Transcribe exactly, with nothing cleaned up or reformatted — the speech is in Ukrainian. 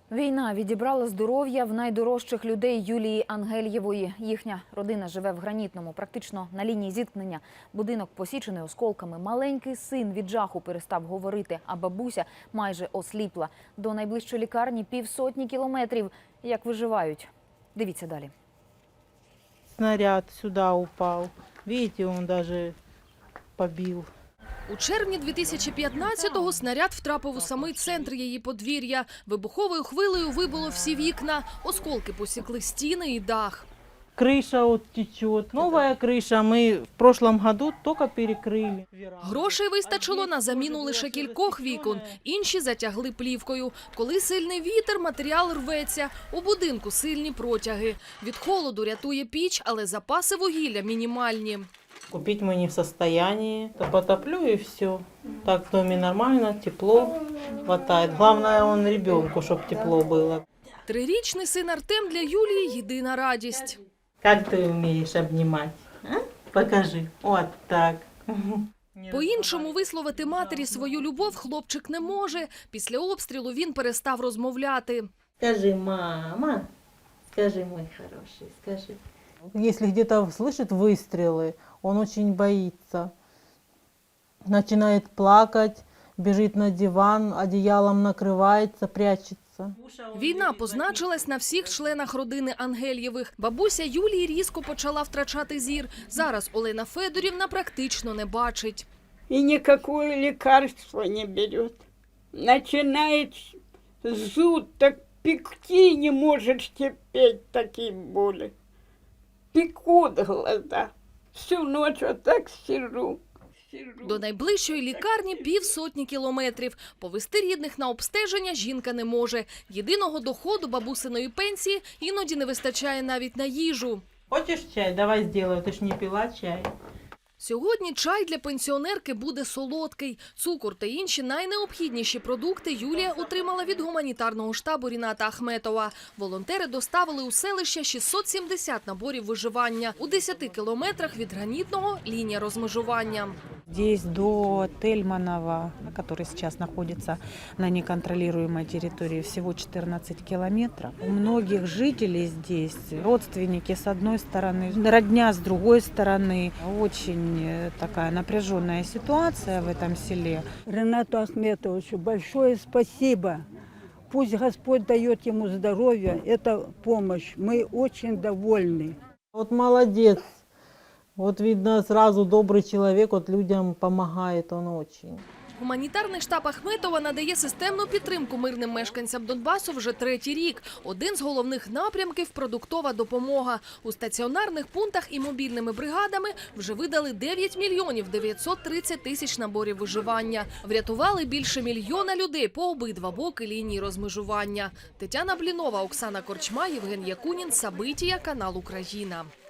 Війна відібрала здоров'я в найдорожчих людей Юлії Ангельєвої. Їхня родина живе в Гранітному, практично на лінії зіткнення. Будинок посічений осколками. Маленький син від жаху перестав говорити, а бабуся майже осліпла. До найближчої лікарні півсотні кілометрів. Як виживають? Дивіться далі. Снаряд сюди упав. Бачите, він навіть побив. У червні дві тисячі п'ятнадцятого снаряд втрапив у самий центр її подвір'я. Вибуховою хвилею вибило всі вікна, осколки посікли стіни і дах. Криша от течет. Нова криша ми в прошлом году тільки перекрили. Грошей вистачило на заміну лише кількох вікон, інші затягли плівкою. Коли сильний вітер, матеріал рветься. У будинку сильні протяги. Від холоду рятує піч, але запаси вугілля мінімальні. Купить мы не в состоянии. То потоплю и все. Так в доме нормально, тепло хватает. Главное, он ребенку, чтобы тепло было. Трирічний син Артем для Юлії – єдина радість. Как ты умеешь обнимать? А? Покажи. Вот так. По-іншому висловити матері свою любов хлопчик не може. Після обстрілу він перестав розмовляти. Скажи, мама. Скажи, мой хороший, скажи. Если где-то слышит выстрелы, он очень боится. Начинает плакать, бежит на диван, одеялом накрывается, прячется. Війна позначилась на всіх членах родини Ангельєвих. Бабуся Юлії різко почала втрачати зір. Зараз Олена Федорівна практично не бачить. И никакое лекарство не берет. Начинает зуд, так пекти не может терпеть такие боли. Пекут глаза. Всю ночь вот так сижу. До найближчої лікарні півсотні кілометрів. Повести рідних на обстеження жінка не може. Єдиного доходу бабусиної пенсії іноді не вистачає навіть на їжу. Хочешь чай? Давай сделаю. Ты ж не пила чай. Сьогодні чай для пенсіонерки буде солодкий. Цукор та інші найнеобхідніші продукти Юлія отримала від гуманітарного штабу Ріната Ахметова. Волонтери доставили у селище шістсот сімдесят наборів виживання. У десяти кілометрах від Гранітного – лінія розмежування. Здесь до Тельманова, который сейчас находится на неконтролируемой территории, всего четырнадцать километров. У многих жителей здесь родственники с одной стороны, родня с другой стороны. Очень такая напряженная ситуация в этом селе. Ренату Ахметовичу большое спасибо. Пусть Господь дает ему здоровье, это помощь. Мы очень довольны. Вот молодец. Вот видно, сразу добрый человек, вот людям помогает он очень. Гуманітарний штаб Ахметова надає системну підтримку мирним мешканцям Донбасу вже третій рік. Один з головних напрямків – продуктова допомога. У стаціонарних пунктах і мобільними бригадами вже видали дев'ять мільйонів дев'ятсот тридцять тисяч наборів виживання. Врятували більше мільйона людей по обидва боки лінії розмежування. Тетяна Блінова, Оксана Корчма, Євген Якунін, Сабитія, канал Україна.